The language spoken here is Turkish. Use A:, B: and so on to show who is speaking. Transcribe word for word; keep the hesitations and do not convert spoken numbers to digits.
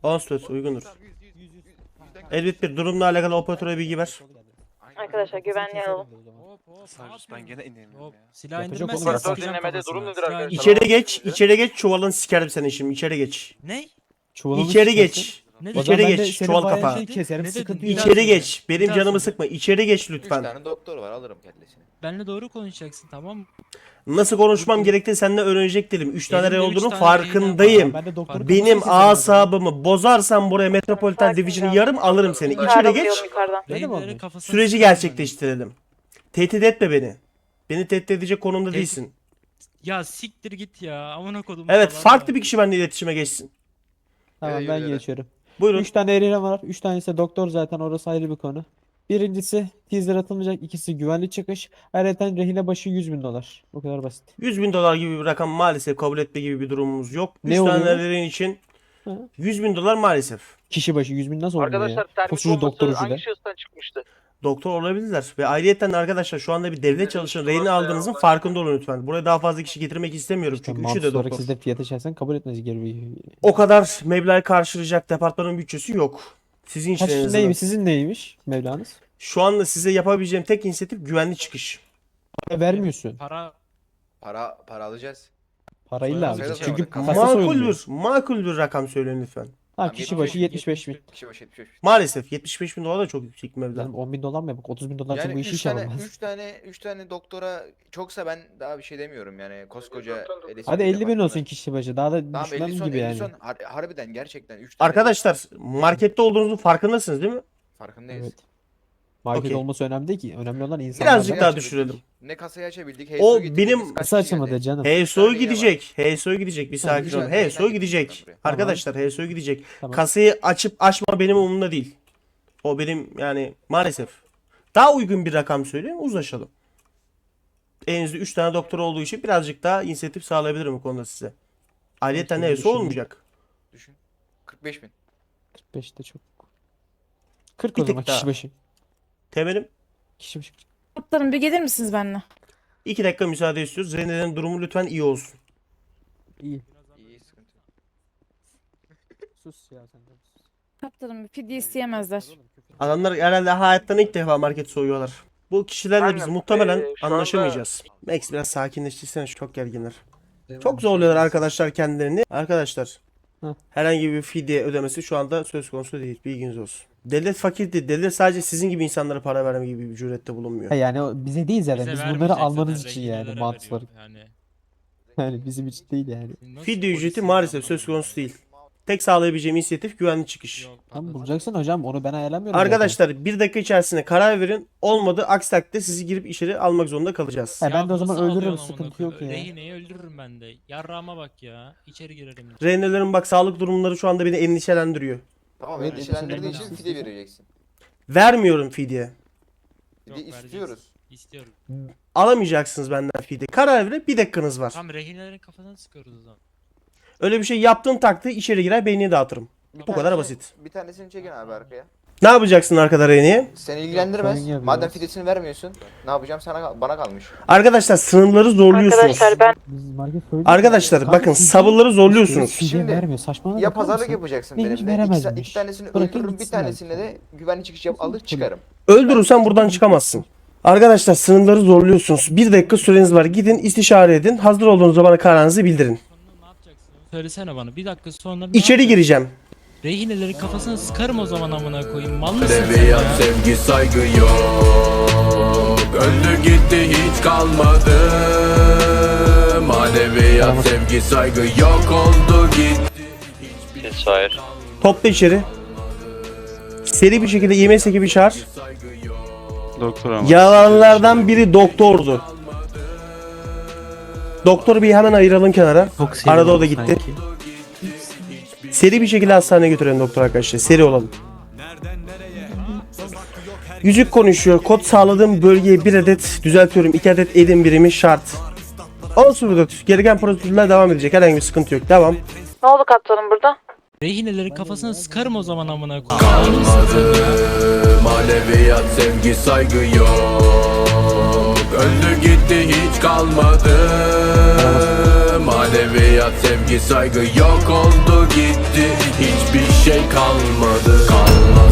A: Ağustos uygundur. Elbet bir durumla alakalı operatöre bilgi ver.
B: Arkadaşlar güvenliği alalım.
C: Ben gene inemiyorum ya.
D: Silah
E: Yapacak
D: indirmezsen
E: olur.
D: sıkacağım
F: Dinlemede
D: kafasına.
F: durum nedir
D: Silah
F: arkadaşlar?
D: indir-
A: İçeri geç, içeri geç, çuvalını sikerim seni şimdi, içeri geç.
D: Ne?
E: Çuvalını
A: İçeri
E: çıkarsın.
A: geç.
D: Ne
E: O zaman
A: İçeri
E: ben de
A: geç,
E: senin
A: çuval
E: bayağı
A: kapağı.
E: şey keserim,
D: Ne dedin?
E: sıkıntı
D: Bir
E: yok.
D: daha
A: İçeri
D: söyle.
A: geç,
D: Bir
A: benim
D: daha
A: canımı
D: söyle.
A: sıkma, içeri geç
F: Üç
A: lütfen.
F: tane doktor var, alırım kellesini.
D: Benle doğru konuşacaksın, tamam mı?
A: Nasıl konuşmam gerektiğini seninle öğrenecek değilim. Üç tane
D: Elimde
A: rey
D: üç
A: olduğunu
D: tane
A: farkındayım.
E: Ben de doktoru
D: Benim
A: Benim
E: kafasına keserim.
A: asabımı bozarsan buraya Metropolitan
B: Sakin
A: Division'ı
B: ol.
A: yarım alırım seni. İçeri
B: Yukarıdan
A: geç,
B: alıyorum, yukarıdan.
E: Öyle mi
D: Rehinelerin
E: oldu?
D: kafasına
A: süreci
D: sıkarım
A: gerçekleştirelim. Tehdit etme beni. Beni tehdit edecek konumda
D: Tehdit-
A: değilsin.
D: ben. Ya siktir git ya. Amına kodum.
A: Evet,
D: falan
A: farklı
D: var.
A: bir kişi benimle iletişime geçsin.
E: Tamam
F: Yürü,
E: ben
F: yürü.
E: geçiyorum.
A: Buyurun.
E: Üç tane erine var. Üç tanesi doktor zaten, orası ayrı bir konu. Birincisi teaser atılmayacak. İkisi güvenli çıkış. Ayrıca rehine başı yüz bin dolar. Bu kadar basit.
A: yüz bin dolar gibi bir rakam maalesef kabul etme gibi bir durumumuz yok.
E: Ne
A: Üç
E: oluyor?
A: tanelerin için
E: Hı.
A: yüz bin dolar maalesef.
E: Kişi başı yüz bin nasıl oluyor ya?
F: Arkadaşlar termik
E: Koskoca doktor
F: bombası
E: ucu da.
F: hangi şahıstan çıkmıştı?
A: Doktor olabilirler. Ve ayrıyeten arkadaşlar şu anda bir devlet çalışanı rehine aldığınızın farkında olun lütfen. Buraya daha fazla kişi getirmek istemiyorum
E: İşte
A: çünkü üçü
E: mantıksız
A: de
E: olarak
A: doktor.
E: siz de fiyatı şahsen kabul etmeniz gerekiyor.
A: O kadar meblağ karşılayacak departmanın bütçesi yok. Sizin için
E: Kaç
A: en azından.
E: neymiş, sizin neymiş Mevlanız?
A: Şu anda size yapabileceğim tek inisiyatif güvenli çıkış.
E: Para vermiyorsun.
D: Para
F: Para para alacağız.
E: Parayla
D: Soyalım.
E: alacaksın.
F: Soyalım.
E: Çünkü
F: Soyalım.
E: kasa
A: Makul
E: soyuluyor.
A: bir, makul bir rakam söyleyin lütfen.
E: Ha, kişi başı yetmiş beş bin.
F: Kişi başı yetmiş beş bin.
A: Maalesef yetmiş beş bin dolar da çok yüksek bir meblağ.
E: Canım on bin dolar mı yapık? otuz bin dolar
F: Yani
E: bu işi
F: üç
E: iş
F: tane,
E: yapamaz.
F: üç tane, üç tane doktora çoksa ben daha bir şey demiyorum yani koskoca L S
E: Hadi
F: P
E: elli bin
F: departmanı.
E: olsun kişi başı. Daha da
F: Tamam
E: düşmem
F: elli son,
E: gibi
F: elli
E: yani.
F: son. Har- harbiden gerçekten üç tane.
A: Arkadaşlar markette olduğunuzun farkındasınız değil mi?
F: Farkındayız.
E: Evet. Market
A: Okey.
E: olması önemli değil ki. Önemli olan insanlar.
A: Birazcık
F: Kasayı
A: daha
F: açabildik.
A: düşürelim.
F: Ne kasayı açabildik.
A: O
F: H S O getirdik,
A: benim-
F: biz kaç
E: Kısa
F: kişi
E: açılmadı
F: geldi?
E: canım.
A: H S O
F: tane
A: gidecek. H S O gidecek. Bir sakin
F: üç
A: olun.
F: tane
A: H S O
F: rehine
A: gidecek.
F: getirdik ben buraya.
E: Tamam.
A: Arkadaşlar H S O gidecek.
E: Tamam.
A: Kasayı açıp açma benim umurumda değil. O benim yani maalesef. Daha uygun bir rakam söyleyeyim, uzlaşalım. Elinizde üç tane doktor olduğu için birazcık daha inisiyatif sağlayabilirim bu konuda size. Ayrıca
E: Şimdi
A: H S O
E: düşünün.
A: olmayacak.
F: Düşün. kırk beş bin.
E: kırk beşte çok. kırk
A: Bir
E: o zaman
A: tık daha.
E: kişi başı.
A: Temelim
E: Kişi başı.
B: Kaptanım bir gelir misiniz benimle?
A: iki dakika müsaade istiyoruz. Rene'nin durumu lütfen iyi olsun.
E: İyi.
F: İyi sıkıntı. yok.
E: Sus ya sen de. sus.
B: Kaptanım bir fidye isteyemezler.
A: Adamlar herhalde hayattan ilk defa market soyuyorlar. Bu kişilerle biz
F: Aynen.
A: muhtemelen
F: Ee, şu anda-
A: anlaşamayacağız. Max biraz sakinleştirsene, çok gerginler. Çok zorluyorlar arkadaşlar kendilerini. Arkadaşlar
E: Hı.
A: herhangi bir fidye ödemesi şu anda söz konusu değil. Bilginiz olsun. Devlet fakir değil. Devlet sadece sizin gibi insanlara para verme gibi bir cürette bulunmuyor.
E: Ha yani o bize değil zaten.
D: bize
E: Biz bunları
D: vermeyecek
E: almanız
D: zaten,
E: için yani
D: rehinelere
E: mantıklı
D: veriyor
E: olarak.
D: Yani.
E: Yani bizim için değil yani.
D: Nasıl
A: Fidye ücreti
D: polisin
A: maalesef
D: yapmadığı
A: söz konusu
D: böyle?
A: değil. Tek sağlayabileceğim inisiyatif güvenli çıkış.
D: Yok,
E: Tamam
D: patladı.
E: bulacaksın hocam, onu ben ayarlamıyorum zaten.
A: Arkadaşlar bir dakika içerisinde karar verin. Olmadı aksi takdirde sizi girip içeri almak zorunda kalacağız.
E: Ha, ben de o zaman
D: nasıl
E: öldürürüm,
D: alıyorsun amına
E: sıkıntı yok
D: koyayım?
E: ya.
D: Rehineyi öldürürüm ben de. Yarrağıma bak ya. İçeri girerim.
A: Rehinelerin bak sağlık durumları şu anda beni endişelendiriyor.
F: Tamam
E: Evet,
F: endişelendirdiği için
E: endişelendirdiği
F: fidye
E: için.
F: vereceksin.
A: Vermiyorum fidye.
D: Yok,
F: Fidye
D: vereceğiz.
F: istiyoruz.
D: İstiyorum.
A: Alamayacaksınız benden fidye. Karar verin, bir dakikanız var.
D: Tam rehinelerin kafasına sıkıyoruz o zaman.
A: Öyle bir şey yaptığın takdirde içeri girer beynini dağıtırım.
F: Bir
A: Bu kadar
F: tanesini-
A: basit.
F: Bir tanesini çekin abi arkaya.
A: Ne yapacaksın arkada rehine?
F: Seni ilgilendirmez.
E: sorun yok
F: Madem
E: biraz.
F: fidyesini vermiyorsun, ne yapacağım sana kal- bana kalmış.
A: Arkadaşlar sınırları zorluyorsunuz.
B: Arkadaşlar ben
E: Biz market söyledik.
A: Arkadaşlar
E: Kanka,
A: bakın
E: fidye-
A: sabırları zorluyorsunuz.
E: Fidye
F: Şimdi
E: vermiyor. Saçmalama
F: Ya
E: bakar
F: pazarlık
E: mısın?
F: yapacaksın
E: Neymiş,
F: benimle. İki,
E: veremezmiş.
F: iki tanesini
E: Bırakın
F: öldürürüm, bir
E: gitsin
F: tanesini
E: belki.
F: de güvenli çıkış yap alır çıkarım.
A: Öldürürsen buradan çıkamazsın. Arkadaşlar sınırları zorluyorsunuz. Bir dakika süreniz var. Gidin istişare edin. Hazır olduğunuz zaman kararınızı bildirin.
D: Sonra ne yapacaksın? Söylesene bana. Bir dakika sonra ne
A: İçeri
D: yapacaksın?
A: gireceğim.
D: Rehinelerin kafasına sıkarım o zaman amına koyayım. Mal mısın sen
G: Edebiyat,
D: ya?
G: sevgi, saygı yok. Öldü gitti hiç kalmadı. Maneviyat, sevgi, saygı yok oldu gitti.
H: Cesur.
A: Topla içeri. Seri bir şekilde I M S ekibi çağır.
G: Saygı yok.
H: Doktor ama.
A: Yalanlardan biri doktordu. Doktoru bir hemen ayıralım kenara. Arada o da gitti. Seri bir şekilde hastaneye götürelim doktor arkadaşlar. Seri olalım. Yüzük konuşuyor. Kod sağladığım bölgeye bir adet düzeltiyorum. iki adet edim birimi şart. Olsun bu gereken prosedürler devam edecek. Herhangi bir sıkıntı yok. Devam.
B: ne oldu kaptanım burada?
D: Rehinelerin kafasına sıkarım o zaman amına koyayım. Mal mısın
G: Kalmadı.
D: sen ya?
G: Maneviyat, sevgi, saygı yok. Öldü gitti hiç kalmadı. Maneviyat. Hayat sevgi saygı yok oldu gitti. Hiçbir şey kalmadı, kalmadı.